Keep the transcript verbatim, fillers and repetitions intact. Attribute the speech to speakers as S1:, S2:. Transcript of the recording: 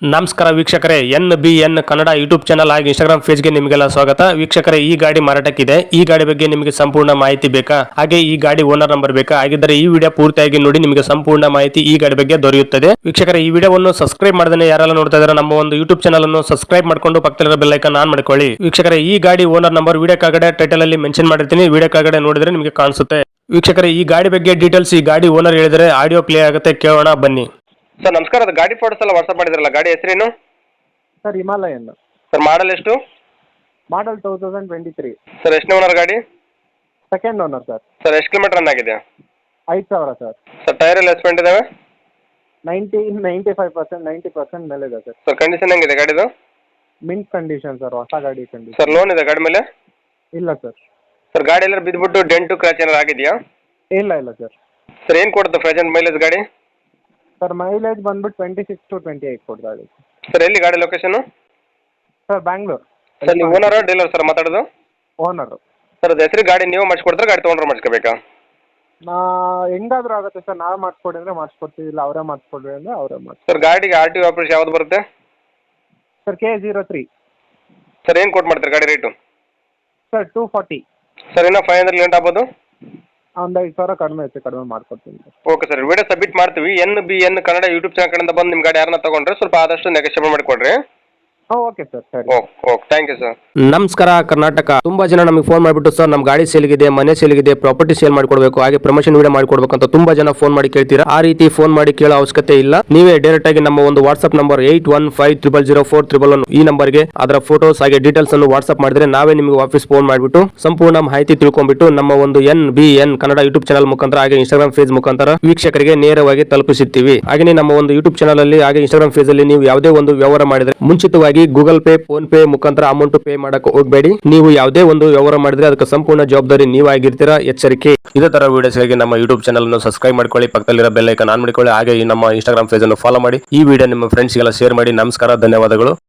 S1: ನಮಸ್ಕಾರ ವೀಕ್ಷಕರೇ, N B N Kannada YouTube channel ಹಾಗೂ ಇನ್ಸ್ಟಾಗ್ರಾಮ್ ಪೇಜ್ಗೆ ನಿಮಗೆಲ್ಲ ಸ್ವಾಗತ. ವೀಕ್ಷಕರೇ, ಈ ಗಾಡಿ ಮಾರಾಟಕ್ಕಿದೆ. ಈ ಗಾಡಿ ಬಗ್ಗೆ ನಿಮಗೆ ಸಂಪೂರ್ಣ ಮಾಹಿತಿ ಬೇಕಾ? ಹಾಗೆ ಈ ಗಾಡಿ ಓನರ್ ನಂಬರ್ ಬೇಕಾ? ಹಾಗಿದ್ದರೆ ಈ ವಿಡಿಯೋ ಪೂರ್ತಿಯಾಗಿ ನೋಡಿ, ನಿಮಗೆ ಸಂಪೂರ್ಣ ಮಾಹಿತಿ ಈ ಗಾಡಿ ಬಗ್ಗೆ ದೊರೆಯುತ್ತದೆ. ವೀಕ್ಷಕರೇ, ಈ ವಿಡಿಯೋವನ್ನು ಸಬ್ಸ್ಕ್ರೈಬ್ ಮಾಡದೇ ಯಾರೆಲ್ಲ ನೋಡ್ತಾ ಇದ್ದಾರೆ ನಮ್ಮ ಒಂದು ಯೂಟ್ಯೂಬ್ ಚಾನಲ್ ಅನ್ನು ಸಬ್ಸ್ಕ್ರೈಬ್ ಮಾಡ್ಕೊಂಡು ಪಕ್ಕದಲ್ಲಿರೋ ಬೆಲ್ ಐಕಾನ್ ಆನ್ ಮಾಡ್ಕೊಳ್ಳಿ. ವೀಕ್ಷಕರೇ, ಈ ಗಾಡಿ ಓನರ್ ನಂಬರ್ ವಿಡಿಯೋ ಕೆಳಗಡೆ ಟೈಟಲ್ ಅಲ್ಲಿ ಮೆನ್ಷನ್ ಮಾಡಿರ್ತೀನಿ, ವಿಡಿಯೋ ಕೆಳಗಡೆ ನೋಡಿದ್ರೆ ನಿಮಗೆ ಕಾಣಿಸುತ್ತೆ. ವೀಕ್ಷಕರೇ, ಈ ಗಾಡಿ ಬಗ್ಗೆ ಡೀಟೇಲ್ಸ್ ಈ ಗಾಡಿ ಓನರ್ ಹೇಳಿದರೆ ಆಡಿಯೋ ಪ್ಲೇ ಆಗುತ್ತೆ, ಕೇಳೋಣ ಬನ್ನಿ.
S2: ಸರ್ ನಮಸ್ಕಾರ, ಅದು ಗಾಡಿ ಫೋಟೋಸ್ ಎಲ್ಲ ವಾಟ್ಸಪ್ ಮಾಡಿದ್ರಲ್ಲ, ಗಾಡಿ ಹೆಸರೇನು
S3: ಸರ್? ಹಿಮಾಲಯನ್.
S2: ಸರ್ ಮಾಡಲ್ ಎಷ್ಟು?
S3: Model two thousand twenty three.
S2: Sir ಎಷ್ಟು ಓನರ್ ಗಾಡಿ?
S3: Second owner sir.
S2: ಸರ್ ಎಷ್ಟು ಕಿಲೋಮೀಟರ್ ರನ್ ಆಗಿದೆ?
S3: ಐದು ಸಾವಿರ ಸರ್.
S2: ಸರ್ ಟೈರ್ ಎಲ್ಲ ಎಸ್ಪೆಂಟ್ ಇದಾವೆ?
S3: Ninety ninety five percent ninety percent ಮೇಲೆ ಇದೆ ಸರ್.
S2: ಸರ್ ಕಂಡೀಷನ್ ಹೆಂಗಿದೆ ಗಾಡಿದು?
S3: ಮಿಂಟ್ ಕಂಡೀಷನ್ ಸರ್, ಹೊಸ ಗಾಡಿ ಕಂಡೀಷನ್.
S2: ಸರ್ ಲೋನ್ ಇದೆ ಗಾಡಿ ಮೇಲೆ?
S3: ಇಲ್ಲ ಸರ್.
S2: ಸರ್ ಗಾಡಿ ಎಲ್ಲ ಬಿದ್ದುಬಿಟ್ಟು ಡೆಂಟು ಕ್ರ್ಯಾಚ್ ಏನಾರು ಆಗಿದೆಯಾ?
S3: ಇಲ್ಲ ಇಲ್ಲ ಸರ್.
S2: ಸರ್ ಏನು ಕೊಡುತ್ತೆ ಪ್ರೆಸೆಂಟ್ ಮೈಲೇಜ್ ಗಾಡಿ?
S3: ಸರ್ ಮೈಲೇಜ್ ಬಂದ್ಬಿಟ್ಟು twenty six to twenty eight ಕೊಡ್ತಾ ಗಾಡಿ.
S2: ಸರ್ ಎಲ್ಲಿ ಗಾಡಿ ಲೊಕೇಶನ್?
S3: ಸರ್ ಬ್ಯಾಂಗ್ಳೂರ್.
S2: ಸರ್ ನೀವು ಓನರ್ ಡೀಲರ್ ಸರ್ ಮಾತಾಡೋದು?
S3: ಓನರು.
S2: ಸರ್ ಅದು ಹೆಸರು ಗಾಡಿ ನೀವು ಮಾಡಿಸ್ಕೊಡ್ತಾರೆ, ಗಾಡಿ ತೊಗೊಂಡ್ರೆ ಮಾಡಿಸ್ಕೋಬೇಕಾ?
S3: ನಾ ಹೆಂಗಾದ್ರೂ ಆಗುತ್ತೆ ಸರ್, ನಾವೇ ಮಾಡಿಸ್ಕೊಡಿ ಅಂದರೆ ಮಾಡಿಸ್ಕೊಡ್ತೀವಿ, ಇಲ್ಲ ಅವರೇ ಮಾಡಿಸ್ಕೊಡ್ರಿ ಅಂದರೆ ಅವರೇ ಮಾಡಿ.
S2: ಸರ್ ಗಾಡಿಗೆ ಆರ್ ಟಿ ಆಪರೇಷನ್ ಯಾವ್ದು ಬರುತ್ತೆ?
S3: Sir K zero three.
S2: Sir ಏನು ಕೊಟ್ಟು ಮಾಡ್ತಾರೆ ಗಾಡಿ rate?
S3: Sir two forty.
S2: Sir ಇನ್ನೂ ಫೈವ್ ಹಂಡ್ರೆಡ್ ಲೇಟ್ ಆಗ್ಬೋದು?
S3: ಒಂದು ಐದು ಸಾವಿರ ಕಡಿಮೆ ಐತೆ, ಕಡಿಮೆ ಮಾಡ್ಕೊಡ್ತೀನಿ sir.
S2: Okay sir, video submit ಮಾಡ್ತೀವಿ. N B N Kannada YouTube channel ಕಡೆಯಿಂದ ಬಂದು ನಿಮ್ಮ ಗಾಡಿ ಯಾರನ್ನ ತಗೊಂಡ್ರೆ ಸ್ವಲ್ಪ ಆದಷ್ಟು ನೆಗೋಷಿಯೇಟ್ ಮಾಡಿಕೊಡ್ರಿ.
S3: ಹಾಂ ಓಕೆ ಸರ್, ಸರಿ.
S2: Okay okay, thank you sir.
S1: ನಮಸ್ಕಾರ ಕರ್ನಾಟಕ. ತುಂಬಾ ಜನ ನಮಗೆ ಫೋನ್ ಮಾಡಿಬಿಟ್ಟು ಸರ್ ನಮ್ಮ ಗಾಡಿ ಸೇಲ್ಗಿದೆ, ಮನೆ ಸೇಲ್ಗಿದೆ, ಪ್ರಾಪರ್ಟಿ ಸೇಲ್ ಮಾಡ್ಕೊಡ್ಬೇಕು, ಹಾಗೆ ಪ್ರಮೋಷನ್ ವಿಡಿಯೋ ಮಾಡ್ಕೊಡ್ಬೇಕು ಅಂತ ತುಂಬಾ ಜನ ಫೋನ್ ಮಾಡಿ ಕೇಳ್ತೀರಾ. ಆ ರೀತಿ ಫೋನ್ ಮಾಡಿ ಕೇಳೋ ಅವಶ್ಯಕತೆ ಇಲ್ಲ. ನೀವೇ ಡೈರೆಕ್ಟ್ ಆಗಿ ನಮ್ಮ ಒಂದು WhatsApp number eight one five triple zero four triple one ಈ ನಂಬರ್ಗೆ ಅದರ ಫೋಟೋಸ್ ಹಾಗೆ ಡೀಟೇಲ್ಸ್ ಅನ್ನು ವಾಟ್ಸ್ಆಪ್ ಮಾಡಿದ್ರೆ ನಾವೇ ನಿಮಗೆ ವಾಪಸ್ ಫೋನ್ ಮಾಡಿಬಿಟ್ಟು ಸಂಪೂರ್ಣ ಮಾಹಿತಿ ತಿಳ್ಕೊಂಡ್ಬಿಟ್ಟು ನಮ್ಮ ಒಂದು N B N Kannada YouTube channel ಮುಖಾಂತರ ಹಾಗೆ ಇನ್ಸ್ಟಾಗ್ರಾಮ್ ಪೇಜ್ ಮುಖಾಂತರ ವೀಕ್ಷಕರಿಗೆ ನೇರವಾಗಿ ತಲುಪಿಸುತ್ತೀವಿ. ಹಾಗೆ ನಮ್ಮ ಒಂದು ಯೂಟ್ಯೂಬ್ ಚಾನಲ್ ಅಲ್ಲಿ ಹಾಗೆ ಇನ್ಸ್ಟಾಗ್ರಾಮ್ ಪೇಜ್ ಅಲ್ಲಿ ನೀವು ಯಾವುದೇ ಒಂದು ವ್ಯವಹಾರ ಮಾಡಿದ್ರೆ ಮುಂಚಿತವಾಗಿ ಗೂಗಲ್ ಪೇ, ಫೋನ್ ಪೇ ಮುಖಾಂತರ ಅಮೌಂಟ್ ಪೇ ಮಾಡಕ್ಕೆ ಹೋಗಬೇಡಿ. ನೀವು ಯಾವುದೇ ಒಂದು ವ್ಯವಹಾರ ಮಾಡಿದ್ರೆ ಅದಕ್ಕೆ ಸಂಪೂರ್ಣ ಜವಾಬ್ದಾರಿ ನೀವಾಗಿರ್ತೀರಾ, ಎಚ್ಚರಿಕೆ. ಇದೇ ತರ ವಿಡಿಯೋಸ್ಗಾಗಿ ನಮ್ಮ ಯೂಟ್ಯೂಬ್ ಚಾನಲ್ ಅನ್ನು ಸಬ್ಸ್ಕ್ರೈಬ್ ಮಾಡ್ಕೊಳ್ಳಿ, ಪಕ್ಕದಲ್ಲಿರೋ ಬೆಲ್ ಐಕಾನ್ ಆನ್ ಮಾಡಿಕೊಳ್ಳಿ, ಹಾಗೆ ನಮ್ಮ ಇನ್ಸ್ಟಾಗ್ರಾಮ್ ಪೇಜ್ ಅನ್ನು ಫಾಲೋ ಮಾಡಿ. ಈ ವಿಡಿಯೋ ನಿಮ್ಮ ಫ್ರೆಂಡ್ಸ್ಗೆಲ್ಲ ಶೇರ್ ಮಾಡಿ. ನಮಸ್ಕಾರ, ಧನ್ಯವಾದಗಳು.